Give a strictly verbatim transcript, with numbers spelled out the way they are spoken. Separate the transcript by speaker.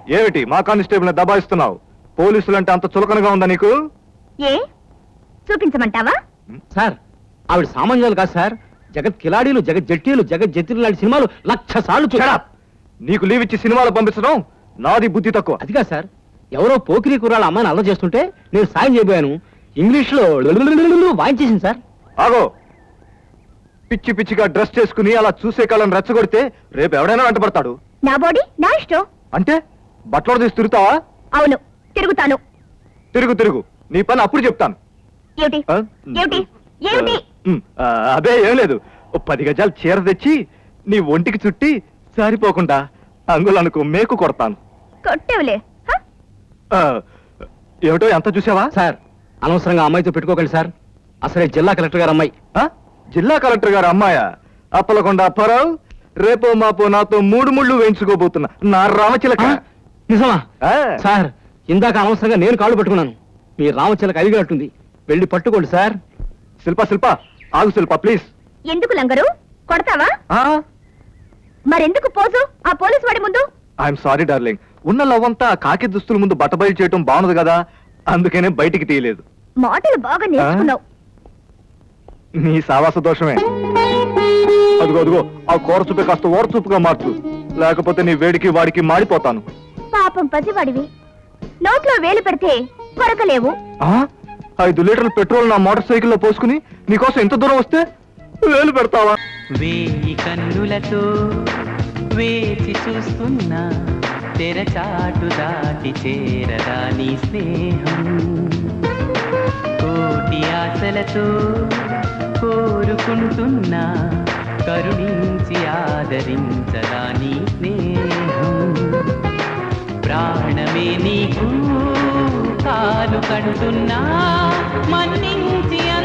Speaker 1: ఏమిటి మా కానిస్టేబుల్ దబాయిస్తున్నావు? పోలీసులంటే అంత చులకనగా ఉందా నీకు?
Speaker 2: ఏ చూపించమంటావా?
Speaker 3: సార్ ఆవిడ సామాన్యాలు కాదు సార్, జగత్ కిలాడీలు, జగత్ జట్టీలు, జగత్ జట్టీలు లాంటి సినిమాలు లక్ష సార్లు చూడా.
Speaker 1: నీకు లీవ్ ఇచ్చి సినిమాలు పంపించడం నాది బుద్ధి తక్కువ.
Speaker 3: అదిగా సార్, ఎవరో పోకిరీ కుర్రాళ్ళ అమ్మాయిని అల్ల చేస్తుంటే నేను సాయం చేయబోయాను. ఇంగ్లీష్ లో వాయించేసింది సార్.
Speaker 1: ఆగో, పిచ్చి పిచ్చిగా డ్రెస్ చేసుకుని అలా చూసే కాలం రెచ్చగొడితే రేపు ఎవడైనా వెంటబడతాడు.
Speaker 2: నా బాడీ నా ఇష్టం.
Speaker 1: అంటే బట్టలు తీసి తిరుగుతావా?
Speaker 2: అవును, తిరుగుతాను.
Speaker 1: తిరుగు తిరుగు, నీ పని అప్పుడు చెప్తాను.
Speaker 2: ఏమిటి
Speaker 1: ఆ?
Speaker 2: ఏమిటి ఏమిటి?
Speaker 1: ఉమ్, ఆ, అదే ఏం లేదు. ఓ పది గజాలు చీర తెచ్చి నీ ఒంటికి చుట్టి సారిపోకుండా అంగులనుకు మేకు కొడతాను.
Speaker 2: కొట్టేవులే. హ?
Speaker 1: ఆ, ఏమిటో ఎంత చూసావా?
Speaker 3: సార్ అనవసరంగా అమ్మాయితో పెట్టుకోకండి సార్, అసలే జిల్లా కలెక్టర్ గారు అమ్మాయి.
Speaker 1: ఆ? జిల్లా కలెక్టర్ గారు అమ్మాయా? అప్పలకొండ అప్పారావు రేపో మాపో నాతో మూడు ముళ్ళు వేయించుకోబోతున్నా నా రామచిలక.
Speaker 3: ఆ? నిజమా?
Speaker 1: ఆ.
Speaker 3: సార్ ఇందాక అనవసరంగా నేను కాళ్ళు పట్టుకున్నాను, మీ రామచిలక అలిగినట్టుంది, వెళ్ళి పట్టుకోండి సార్.
Speaker 1: శిల్ప శిల్ప ఆగు శిల్ప ప్లీజ్.
Speaker 2: ఎందుకు లంగరు? కొడతావా?
Speaker 1: ఆ
Speaker 2: మరెందుకు పోజు ఆ పోలీస్ వాడి ముందు?
Speaker 1: ఐఎమ్ సారీ డార్లింగ్, ఉన్న లవ్వంతా కాకి దుస్తుల ముందు బట్టబయలు చేయటం బాగుంది కదా, అందుకనే బయటికి తీయలేదు.
Speaker 2: మాటలు బాగా నేర్చుకున్నావు.
Speaker 1: నీ సావాస దోషమే. అదిగో అదిగో ఆ కూర చూపే కాస్త ఓర చూపుగా మార్చు, లేకపోతే నీ వేడికి వాడికి మాడిపోతాను.
Speaker 2: పాపం పసివాడివి, నోట్లో వేలు పెడితే కొరకలేవు.
Speaker 1: ఆ ఐదు లీటర్ల పెట్రోల్ నా మోటార్ సైకిల్లో పోసుకుని నీకోసం ఎంత దూరం వస్తే వేలు పెడతావా?
Speaker 4: వేయి కన్నులతో వేచి చూస్తున్నా, తెరచాటు దాటి చేరదా నీ స్నేహం. కోటి ఆశలతో కోరుకుంటున్నా, కరుణించి ఆదరించదా నీ స్నేహం. ప్రాణమే నీకు కాలు కంటున్నా, మన్నించి